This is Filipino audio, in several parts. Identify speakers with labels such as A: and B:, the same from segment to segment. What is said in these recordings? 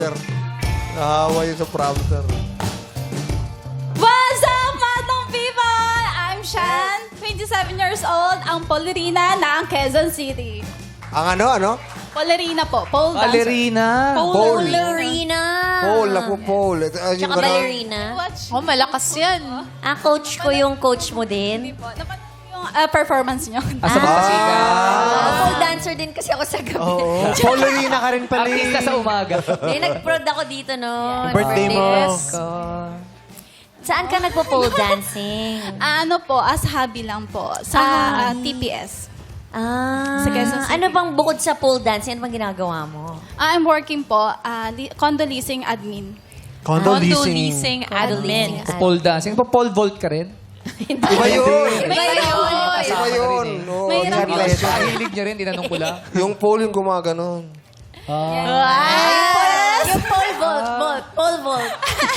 A: Nahawa yun sa prompter.
B: What's up, Matong people? I'm Shan, 27 years old, ang Polerina ng Quezon City.
A: Ang ano?
B: Polerina po, pole dancer.
C: Ballerina.
A: Pole.
D: Ballerina.
A: Pole, ako pole.
D: Tsaka ballerina.
B: Watch.
E: Oh, malakas yan.
D: Coach ko yung coach mo din.
B: Po, napanood yung performance nyo.
C: Sa Magpasiga.
D: Pole dancer din kasi ako sa gabi.
F: Oo. Polerina ka rin pala.
C: Artista sa umaga.
D: Nag-prod ako dito, no?
F: Birthday mo.
D: Saan ka nagpo-pole dancing?
B: Ano po, as hobby lang po, sa TPS. Sa Quezon City.
D: Ano bang bukod sa pole dancing, ano bang ginagawa mo?
B: I'm working po, condo leasing admin.
F: Condo
E: Condo
F: leasing.
E: leasing admin.
C: Pole dancing. Pole vault ka rin?
A: Iba yun.
B: Iba yun.
A: Iba yun. Oo,
B: Mahirap
A: hindi
B: yun.
A: siya.
C: Hilig niyo rin, tinanong ko lang.
A: Yung pole yung gumaganon.
D: Yung pole vault. Pole vault.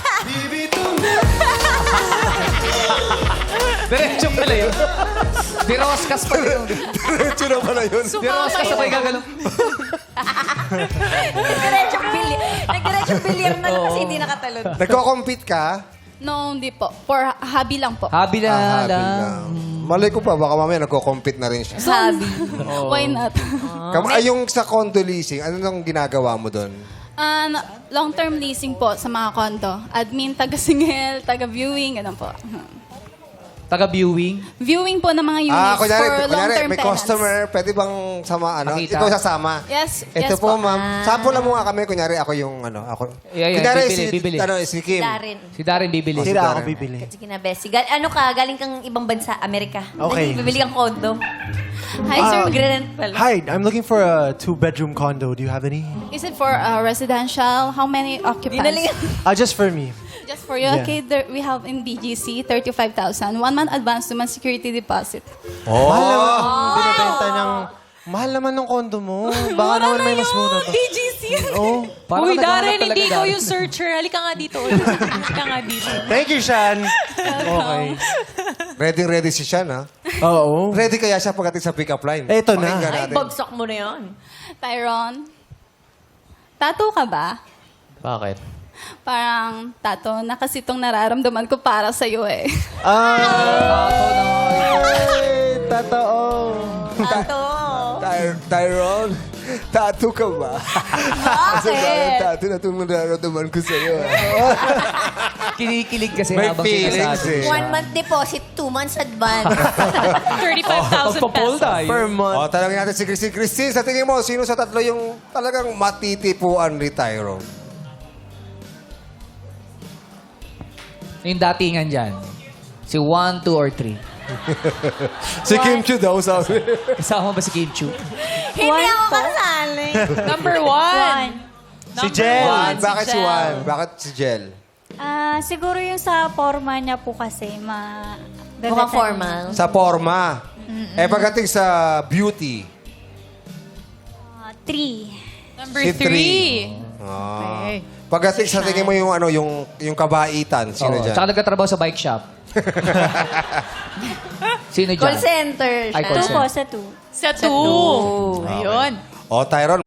C: Diretso pala yun. Diroskas pa yun.
A: Diretso na pala yun.
C: Diroskas sabay gagalaw.
D: Nag-diretsong bilyar na lang kasi hindi nakatalon.
A: Nagko-compete ka?
B: No, hindi po. For hobby lang po.
C: Habi na
A: Happy
C: lang.
A: lang. Malay ko pa, baka mamaya nagko-compete na rin siya.
D: Hobby.
B: Why not?
A: Yung sa condo leasing, ano nang ginagawa mo doon?
B: Long-term leasing po sa mga condo. Admin, taga-singel, taga-viewing, ganun po.
C: Taga-viewing.
B: Viewing po ng mga units
A: Kunyari,
B: for long-term
A: may
B: tenants.
A: customer, pwede bang
C: Makita.
A: ikaw sasama?
B: Yes,
A: Ito
B: yes
A: po,
B: po.
A: ma'am. Sample lang mo nga kami. Kunyari, ako yung ako.
C: Yeah,
A: Kunyari,
C: bibili.
A: si Kim.
D: Darin.
C: Si Darren bibili.
F: Sila ako bibili.
D: Sige na, Bessie. Ano ka? Galing kang ibang bansa, Amerika.
F: Okay.
D: Bibili kang condo.
B: Hi, sir.
D: Magre-rent pala.
F: Hi, I'm looking for a 2-bedroom condo. Do you have any?
B: Is it for residential? How many occupants?
F: Just for me.
B: Just for you.
F: Yeah.
B: Okay, we have in BGC, 35,000. 1 month advance, 2 months security deposit.
F: Binibenta niyang... Mahal naman ng condo mo. Baka naman may mas mura pa.
E: BGC.
F: Oh.
C: Parang
E: Uy,
C: naghahanap
E: Darren,
C: talaga,
E: hindi ko
C: Darren.
E: yung searcher. Halika nga dito. Halika nga dito.
F: Thank you, Shan. Okay.
A: Ready si Sean, ha?
F: Oo.
A: Ready kaya siya pagdating sa pick-up line?
F: Eto na.
A: Pakinggan
D: Ay,
A: natin.
D: bagsak mo na yan.
B: Tyron, tattoo ka ba?
C: Bakit?
B: Parang, tattoo, nakasitong nararamdaman ko para sa'yo eh.
F: Totoo.
A: Tyron, tattoo ka ba? Kasi parang tattoo na itong nararamdaman ko sa'yo.
C: Kinikilig kasi
A: May
C: habang
A: feelings
C: sinasabi.
D: 1 month deposit, 2 months advance.
E: 35,000
C: Pagpa-pole
E: pesos.
C: tayo.
F: Per month.
A: Tanongin natin si Christine. Christine, sa tingin mo, sino sa tatlo yung talagang matitipuan ni Tyron?
C: Yung datingan dyan. Si 1, 2, or 3.
A: Si Kim Chiu daw, sabi.
C: Kasama ba si Kim Chu?
D: Hindi ako kasali.
E: Number 1.
F: Si Jen.
A: Juan, bakit si Juan? Bakit si Jel?
G: Siguro yung sa forma niya po kasi,
D: Mukhang formal.
A: Sa forma. Pagdating sa beauty.
G: 3.
E: Number
A: Si
E: 3.
A: Okay. Pagdating sa tingin mo yung yung kabaitan, sino dyan?
C: Tsaka nagkatrabaho sa bike shop. Sino dyan?
D: Call center.
C: Ay,
D: siya.
C: call
G: 2 po, sa 2.
E: Sa 2. Ayun.
A: O, Tyron,